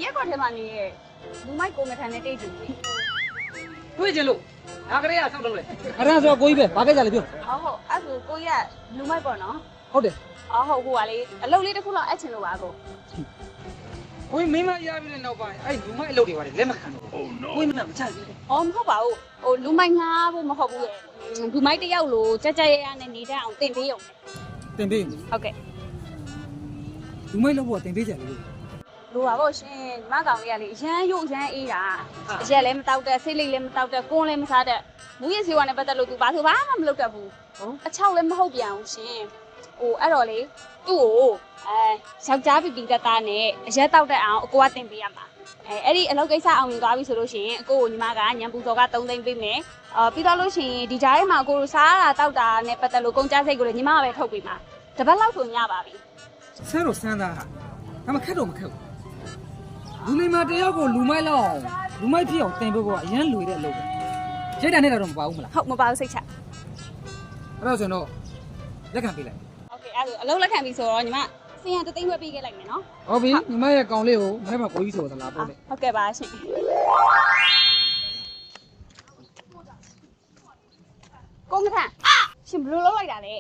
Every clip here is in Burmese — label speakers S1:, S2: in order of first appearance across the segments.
S1: ရက်ကွက်ထဲမှာနေတဲ့လူမိုက်ကိုငထန်နဲ့တိတ်တူလေ
S2: တွေ့ချင်လို့ဒါကလေးကဆောက်တော့လေ
S3: အဲ့ဒါဆိုတော့ကိုကြီးပဲဘာကိစ္စလဲပြော
S1: ဟုတ်အဲ့ဆိုကိုကြီးကလူမိုက်ပေါ့နော်
S3: ဟုတ်တယ်
S1: ဟုတ်ဟိုကလေအလုပ်လေးတစ်ခုလောက်အပ်ချင်လို့ပါကို
S2: ကိုမင်းမရပြီတဲ့နောက်ပိုင်းအဲ့လူမအလုပ်တွေပါတယ်လက်မခံတော့ကိုမင်းမချဘူး
S1: မဟုတ်ပါဘူးဟိုလူမိုက်ငှားဖို့မဟုတ်ဘူးရဲ့လူမိုက်တယောက်လိုကြက်ကြက်ရရနဲ့နေတတ်အောင်တင်ပေးရုံ
S3: တင်ပေး
S1: ဟုတ်ကဲ့
S3: လူမိုက်လို့ဘောတင်ပေးကြတယ်လို့
S1: လိုပါပေါ့ရှင်ညီမကောင်လေးကလေရမ်းရုပ်ရမ်းအေးတာအရက်လည်းမတောက်တဲ့ဆိတ်လိတ်လည်းမတောက်တဲ့ကွန်းလည်းမစားတဲ့မူရည်စီဝါနဲ့ပတ်သက်လို့သူဘာဆိုဘာမှမလုပ်တတ်ဘူးအချောက်လည်းမဟုတ်ပြန်ဘူးရှင်ဟိုအဲ့တော့လေသူ့ကိုယောက်ျားပီပီတတနဲ့အရက်တောက်တဲ့အောင်အကိုကတင်ပေးရမှာအဲ့ဒီအလုပ်ကိစ္စအောင်မြင်သွားပြီဆိုလို့ရှိရင်အကိုကိုညီမကညံပူစော်က3သိန်းပေးမယ်ပြီးတော့လို့ရှိရင်ဒီကြားထဲမှာအကိုတို့စားတာတောက်တာနဲ့ပတ်သက်လို့ကုန်ကြစိတ်ကိုလည်းညီမကပဲထုတ်ပေးမှာတပတ်လောက်ဆိုညပါပြီ
S3: ဆန်းတော့ဆန်းသားဒါမှခက်တော့မခက်ဘူးလူလိမ္မာတယောက်ကိုလူမိုက်လောက်လူမိုက်ဖြစ်အောင်တင်ပေးဖို့ကအရန်လွေတဲ့အလုပ်ပဲရိတ်တာနဲ့တော့မပါဘူးမလား
S1: ဟုတ်မပါဘူးစိတ်ချ
S3: အဲ့တော့ဆိုတော့လက်ခံပေးလိုက်
S1: โอเคအဲ့ဒါအလုပ်လက်ခံပြီဆိုတော့ညီမစင်ရတသိန်းဝက်ပေးခဲ့လိုက်မယ်နော်
S3: ဟုတ်ပြီညီမရဲ့ကောင်လေးကိုမနေ့ကကိုကြီးဆိုသလားပို့လေ
S1: ဟုတ်ကဲ့ပါရှင်ကိုမထန်ရှင်ဘယ်လိုလုပ်လိုက်တာလဲ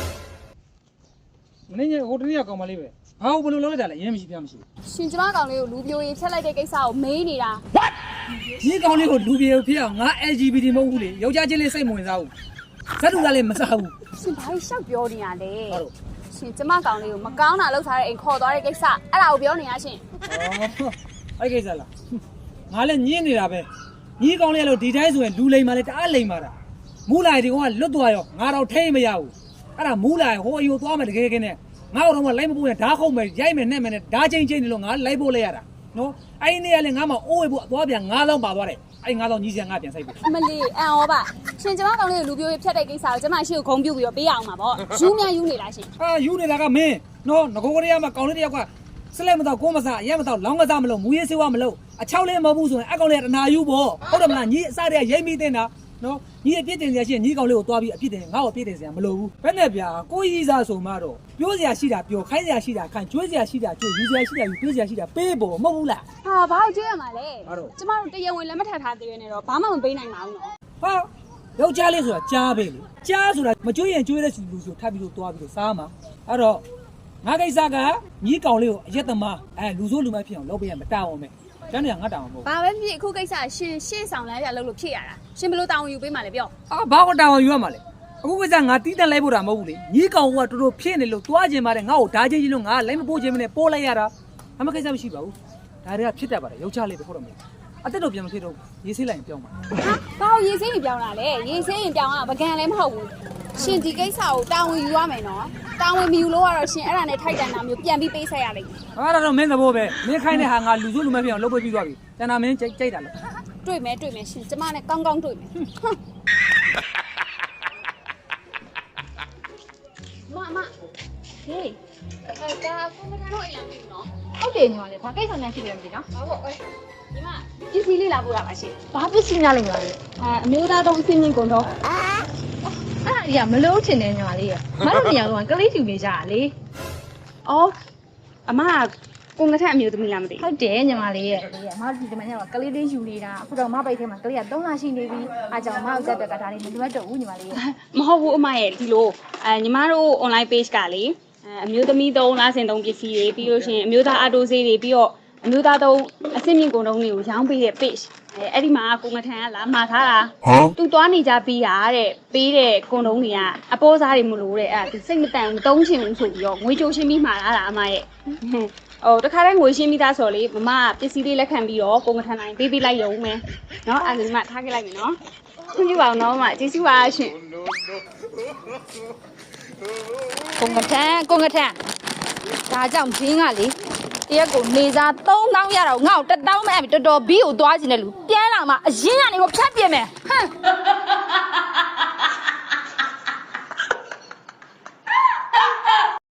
S3: မနေ့ကဟိုတနေ့ကကောင်မလေးပဲဘာလို့ဘယ်လိုလုပ်လိုက်တာလဲရင်းမရှိပြမရှိ
S1: ရှင်ကျမကောင်လေးကိုလူပြိုရင်ဖြတ်လိုက်တဲ့ကိစ္စကိုမေးနေတာ
S3: ဒီကောင်လေးကိုလူပြေဖြစ်အောင်ငါ LGBT မဟုတ်ဘူးလေယောက်ျားချင်းလေးစိတ်မဝင်စားဘူးဇက်တူကလည်းမစားဘူး
S1: ရှင်ဘာလို့ရှောက်ပြောနေရလဲ
S3: ဟုတ်တော့
S1: ရှင်ကျမကောင်လေးကိုမကောင်းတာလုပ်ထားတဲ့အိမ်ခေါ်သွားတဲ့ကိစ္စအဲ့ဒါကိုပြောနေရရှင်
S3: အဲ့ကိစ္စလားငါလည်းညင်းနေတာပဲညီကောင်လေးလို့ဒီတိုင်းဆိုရင်လူလိမ်မာလေတအားလိမ်မာတာမူလာရီကောင်ကလွတ်သွားရောငါတော့ထိမ့်မရဘူးအဲ့ဒါမူလာရီဟိုအယူသွားမယ်တကယ်ကင်းနဲ့ငါတော့မှလိုက်မပို့နဲ့ဓာတ်ခုံမယ်ရိုက်မယ်နဲ့မယ်နဲ့ဓာတ်ချင်းချင်းနေလို့ငါလိုက်ပို့လိုက်ရတာနော်အဲ့ဒီနေ့ကလည်းငါမှအိုးဝေဖို့အသွားပြန်9000ပါသွားတယ်အဲ့9000ညီစရာငါပြန်ဆိုင်ပြီ
S1: မလေးအန်ဩပါရှင်ကျမကောင်လေးကိုလူပြိုရင်ဖြတ်တဲ့ကိစ္စကိုကျမရှိကိုဂုံပြုတ်ပြီးတော့ပေးရအောင်ပါဗောယူမြယူနေလားရှင်
S3: ဟာယူနေတာကမင်းနော်ငကိုကလေးကမှကောင်လေးတယောက်ကစလက်မတော့ကိုမစားအရက်မတော့လောင်းကစားမလို့မူရေးစေးဝမလို့အချောက်လေးမဟုတ်ဘူးဆိုရင်အကောင်လေးကတနာယူပေါ့ဟုတ်တယ်မလားညီအစားတည်းရိမ့်မိတင်တာနော်ညီအပြစ်တင်စရာရှိရင်ညီကောင်လေးကိုသွားပြီးအပြစ်တင်ငါ့ကိုအပြစ်တင်စရာမလိုဘူးဘယ်နဲ့ဗျာကိုကြီးစားဆိုမှတော့ပြောစရာရှိတာပြောခိုင်းစရာရှိတာခိုင်းကျွေးစရာရှိတာကျွေးယူစရာရှိတာယူပေးစရာရှိတာပေးဖို့မဟုတ်ဘူးလား
S1: ဟာဘာလို့ကြွေးရမှာလဲ
S3: ဘာလို့
S1: ကျမတို့တရားဝင်လက်မထပ်ထားသေးရနေတော့ဘာမှမပေးနိုင်ပါဘူးနော်
S3: ဟာယောက်ျားလေးဆိုတာကြားပဲလေကြားဆိုတာမကျွေးရင်ကျွေးတဲ့လူဆိုထပ်ပြီးတော့သွားပြီးတော့စားမှာအဲ့တော့ငါကိစ္စကညီကောင်လေးကိုအရက်သမားလူဆိုးလူမိုက်ဖြစ်အောင်လုပ်ပေးရမတောင်းအောင်မယ်ကျန်နေငါတောင်းအောင်မဟုတ်
S1: ဘာပဲဖြစ်အခုကိစ္စရှင်ရှေ့ဆောင်လမ်းပြလုပ်လို့ဖြစ်ရတာရှင်ဘယ်လိုတောင်းယူပေးမှလဲပြော
S3: အာဘာကိုတောင်းအောင်ယူရမှာလဲအခုကိစ္စငါတီးတက်လိုက်ဖို့တာမဟုတ်ဘူးလေညီကောင်ကတော်တော်ဖြစ်နေလို့သွားခြင်းပါတယ်ငါ့ကိုဓာချင်းကြီးလို့ငါလိုက်မပို့ခြင်းမနဲ့ပို့လိုက်ရတာအမကိစ္စမရှိပါဘူးဒါတွေကဖြစ်တတ်ပါတယ်ယောက်ျားလေးပဲဟုတ်တော့မလားအသက်တော့ပြန်မဖြစ်တော့ရေးဆေးလိုက်ရင်ပြောင်းပါ
S1: ဟာဘာလို့ရေးစင်းရင်ပြောင်းတာလဲရေးစင်းရင်ပြောင်းတာပကံလည်းမဟုတ်ဘူးရှင်ဒီကိစ္စကိုတာဝန်ယူရမယ်နော်တာဝန်မယူလို့ကတော့ရှင်အဲ့ဒါနဲ့ထိုက်တန်တာမျိုးပြန်ပြီးပေးဆက်ရလိမ့်မယ်
S3: ဟာတော့မင်းသဘောပဲမင်းခိုင်းတဲ့ဟာငါလူစုလူမဲ့ဖြစ်အောင်လုပ်ပေးပြီးသွားပြီတဏ္ဍာမင်းကြိုက်တာလို့
S1: တွေ့မယ်ရှင်ကျမနဲ့ကောင်းကောင်းတွေ့မယ်မဟေးအဲ့ဒါကိုမထမ်းတော့အိမ်လာပြီနော်
S4: ဟုတ်တယ်ညီမလေးဘာကိစ္စများရှိတယ်မသိနော်
S1: ဟုတ်ပါဘူးဒီမှာပစ္စည်းလေးလာပို့တာပါရှင်
S4: ဘာပစ္စည်းများလဲညီမလေး
S1: အမျိုးသားတုံးအစင်းမြင့်ကုန်တော့
S4: အဲ့ဒါကြီးကမလို့ချင်တယ်ညီမလေးရမတို့နေရာကကလေးကျူနေကြတာလေ
S1: အော်အမကကိုငထက်အမျိုးသမီးလားမသိ
S4: ဟုတ်တယ်ညီမလေးရဲ့မတို့ဒီမနေ့ကကလေးလေးယူနေတာအခုတော့မပိတ်ထဲမှာကလေးက3လရှိနေပြီအားကြောင့်မအောင်တက်တက်ကဒါလေးမလွတ်တော့ဘူးညီမလေးရဲ့
S1: မဟုတ်ဘူးအမရဲ့ဒီလိုညီမတို့ online page ကလေအမျိုးသမီးသုံးလားစင်သုံးပစ္စည်းတွေပြီးလို့ရှိရင်အမျိုးသားအာတိုဆေးတွေပြီးတော့အမျိုးသားသုံးအစင်းမြင့်ကုန်တုံးတွေကိုရောင်းပေးတဲ့ page အဲ့ဒီမှာကိုငထန်ကလာမှာထားတာသူသွားနေကြပြီးတာတဲ့ပေးတဲ့ကုန်တုံးတွေကအပေါ်စားတွေမလို့တဲ့အဲ့ဒါသူစိတ်မတန်ဘူးသုံးချင်ဘူးဆိုပြီးတော့ငွေကြိုးရှင်းပြီးမှာလာတာအမရဲ့ဟိုတခါတည်းငွေရှင်းပြီးသားဆိုလေမမပစ္စည်းလေးလက်ခံပြီးတော့ကိုငထန်နိုင်ပေးလိုက်ရုံပဲเนาะအဲ့ဒါဒီမှာထားခဲ့လိုက်မယ်เนาะခွင့်ပြုပါအောင်เนาะမကျေးဇူးပါရှင်
S4: ကိုငထန်ဒါကြောင့်ဂျင်းကလေတရက်ကိုနေစား3000ရတော့ငါ့ကို1000မဲ့ပြီတော်တော်ဘီကိုသွားခြင်းတဲ့လူပြန်လာမှအရင်ကနေကိုဖြတ်ပြမယ်ဟမ်